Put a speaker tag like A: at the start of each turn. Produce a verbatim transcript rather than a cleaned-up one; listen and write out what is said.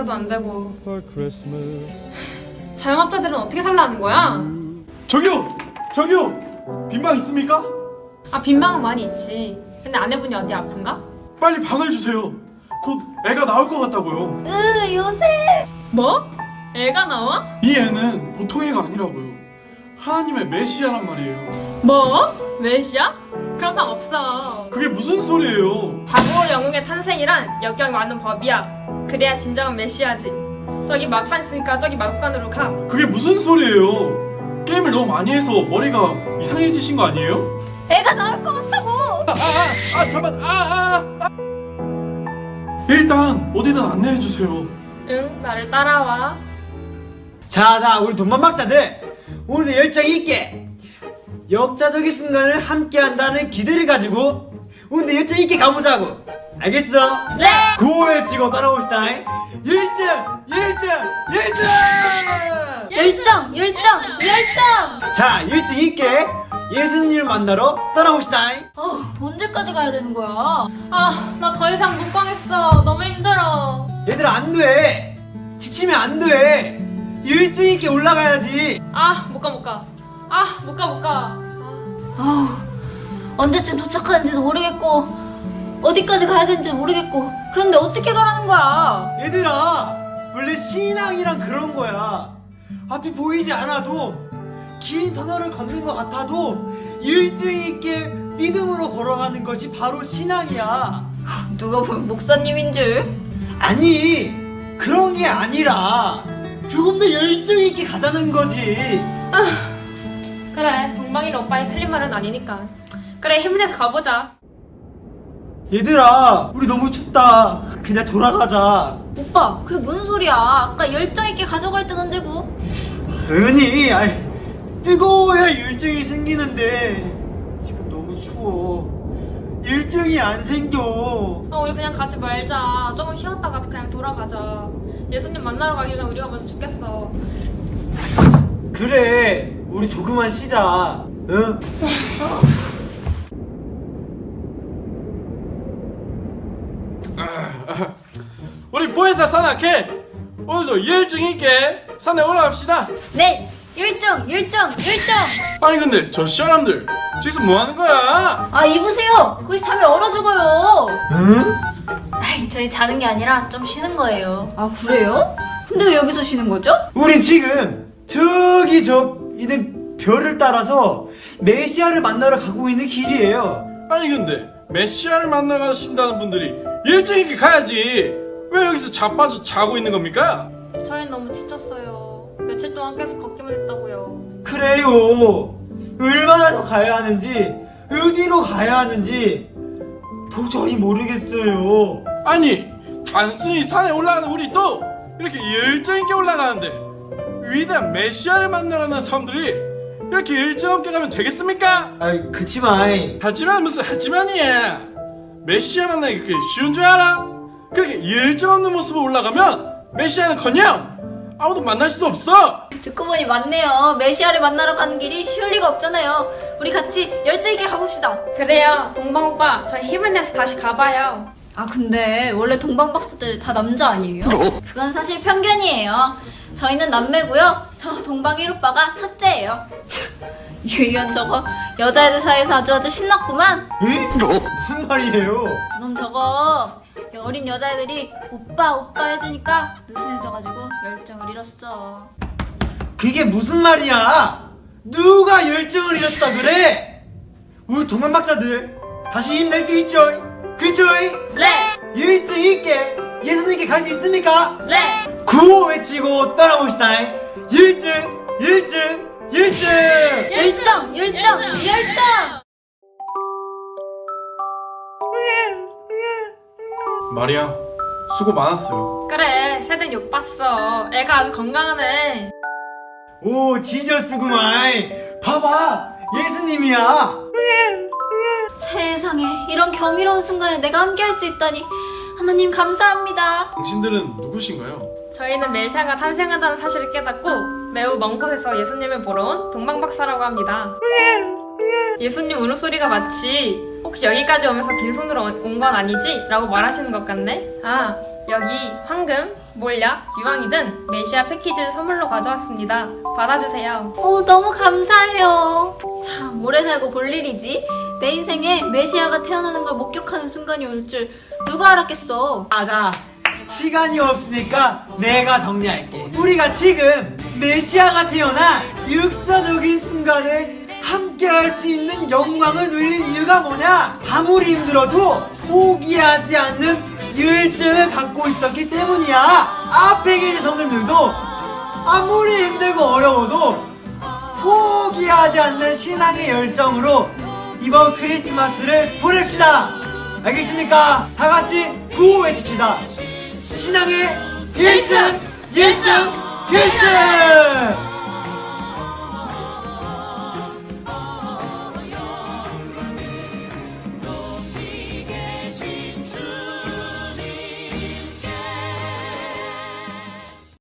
A: 말도 안 되고. 자영업자들은 어떻게 살라는 거야?
B: 저기요! 저기요! 빈방 있습니까?
A: 아, 빈방은 많이 있지. 근데 아내분이 어디 아픈가?
B: 빨리 방을 주세요. 곧 애가 나올 것 같다고요.
C: 으, 요새.
A: 뭐? 애가 나와?
B: 이 애는 보통 애가 아니라고요. 하나님의 메시아란 말이에요.
A: 뭐? 메시아? 그런 방 없어.
B: 그게 무슨 소리예요?
A: 자고로 영웅의 탄생이란 역경 많은 법이야. 그래야 진정한 메시아지. 저기 막간 있으니까 저기 막간으로 가.
B: 그게 무슨 소리예요? 게임을 너무 많이 해서 머리가 이상해지신 거 아니에요?
C: 애가 나올 것 같다고.
B: 아, 아, 아, 잠깐, 아, 아, 아. 일단 어디든 안내해 주세요.
A: 응, 나를 따라와.
D: 자자 우리 돈만박사들 오늘도 열정 있게 역사적인 순간을 함께 한다는 기대를 가지고 오늘도 열정 있게 가보자고. 알겠어?
C: 네.
D: 구호 외치고 따라옵시다. 열정 열정 열정.
C: 열정, 열정, 열정.
D: 자 열정 있게 예수님을 만나러 따라옵시다.
C: 어, 언제까지 가야 되는 거야?
A: 아, 나 더 이상 못 가겠어. 너무 힘들어.
D: 얘들아 안돼, 지치면 안돼. 열정 있게 올라가야지.
A: 아, 못 가, 못 가. 아, 못 가, 못 가.
C: 아우, 언제쯤 도착하는지도 모르겠고 어디까지 가야 되는지 모르겠고 그런데 어떻게 가라는 거야?
D: 얘들아 원래 신앙이란 그런 거야. 앞이 보이지 않아도 긴 터널을 걷는 것 같아도 열정 있게 믿음으로 걸어가는 것이 바로 신앙이야.
C: 누가 보면 목사님인 줄.
D: 아니 그런 게 아니라 조금 더 열정 있게 가자는 거지.
A: 그래, 동방이는 오빠의 틀린 말은 아니니까. 그래, 힘내서 가보자.
D: 얘들아 우리 너무 춥다. 그냥 돌아가자.
C: 오빠, 그게 무슨 소리야? 아까 열정 있게 가져갈 땐 언제고?
D: 은희 아이, 뜨거워야 열정이 생기는데 지금 너무 추워. 열정이 안 생겨.
A: 아, 우리 그냥 가지 말자. 조금 쉬었다가 그냥 돌아가자. 예수님 만나러 가기 전에 우리가 먼저 죽겠어.
D: 그래 우리 조금만 쉬자. 응?
B: 우리 보혜사 산악회 오늘도 열정 있게 산에 올라갑시다.
C: 네, 열정, 열정, 열정.
B: 아니 근데 저 시원함들 지금 뭐 하는 거야?
C: 아, 이보세요. 거기 잠이 얼어 죽어요.
D: 응?
C: 아이, 저희 자는 게 아니라 좀 쉬는 거예요. 아, 그래요? 근데 왜 여기서 쉬는 거죠?
D: 우린 지금 저기 저 있는 별을 따라서 메시아를 만나러 가고 있는 길이에요.
B: 아니 근데 메시아를 만나러 가신다는 분들이 열정 있게 가야지. 왜 여기서 자빠져 자고 있는 겁니까?
A: 저희는 너무 지쳤어요. 며칠 동안 계속 걷기만 했다고요.
D: 그래요. 얼마나 더 가야 하는지 어디로 가야 하는지 도저히 모르겠어요.
B: 아니 단순히 산에 올라가는 우리 또 이렇게 열정 있게 올라가는데 위대한 메시아를 만나러 가는 사람들이 이렇게 열정 없게 가면 되겠습니까?
D: 아이 그치만
B: 하지만 무슨 하지만이야. 메시아 만나기 그렇게 쉬운 줄 알아? 그렇게 열정 없는 모습으로 올라가면 메시아는커녕 아무도 만날 수도 없어.
C: 듣고 보니 맞네요. 메시아를 만나러 가는 길이 쉬울 리가 없잖아요. 우리 같이 열정 있게 가봅시다.
A: 그래요, 동방 오빠. 저희 힘을 내서 다시 가봐요.
C: 아, 근데 원래 동방박사들 다 남자 아니에요? 그건 사실 편견이에요. 저희는 남매고요. 저 동방 일 오빠가 첫째예요. 유이현 저거 여자애들 사이에서 아주 아주 신났구만.
D: 에? 무슨 말이에요?
C: 그럼 저거 어린 여자애들이 오빠 오빠 해주니까 느슨해져가지고 열정을 잃었어.
D: 그게 무슨 말이야? 누가 열정을 잃었다 그래? 우리 동안 박사들 다시 힘낼 수 있죠? 그죠?
C: 네!
D: 열정 있게 예수님께 갈 수 있습니까?
C: 네!
D: 구호 외치고 따라봅시다. 열정 열정 열정.
C: 열정! 열정! 열정!
B: 마리아 수고 많았어요.
A: 그래, 새들 욕 봤어. 애가 아주 건강하네.
D: 오 지저스구만. 봐봐 예수님이야.
C: 세상에 이런 경이로운 순간에 내가 함께할 수 있다니 하나님 감사합니다.
B: 당신들은 누구신가요?
A: 저희는 메시아가 탄생한다는 사실을 깨닫고 매우 먼 곳에서 예수님을 보러 온 동방박사라고 합니다. 예수님 울음소리가 마치 혹시 여기까지 오면서 빈손으로 온 건 아니지? 라고 말하시는 것 같네. 아, 여기 황금, 몰약, 유황이든 메시아 패키지를 선물로 가져왔습니다. 받아주세요.
C: 오, 너무 감사해요. 참, 오래 살고 볼 일이지. 내 인생에 메시아가 태어나는 걸 목격하는 순간이 올 줄 누가 알았겠어.
D: 맞아. 시간이 없으니까 내가 정리할게. 우리가 지금 메시아가 태어나 역사적인 순간을 함께 할 수 있는 영광을 누릴 이유가 뭐냐? 아무리 힘들어도 포기하지 않는 열정을 갖고 있었기 때문이야. 앞에 계신 성도님들도 아무리 힘들고 어려워도 포기하지 않는 신앙의 열정으로 이번 크리스마스를 보냅시다. 알겠습니까? 다 같이 구호 외칩시다. 신앙의 열정, 열정, 열정!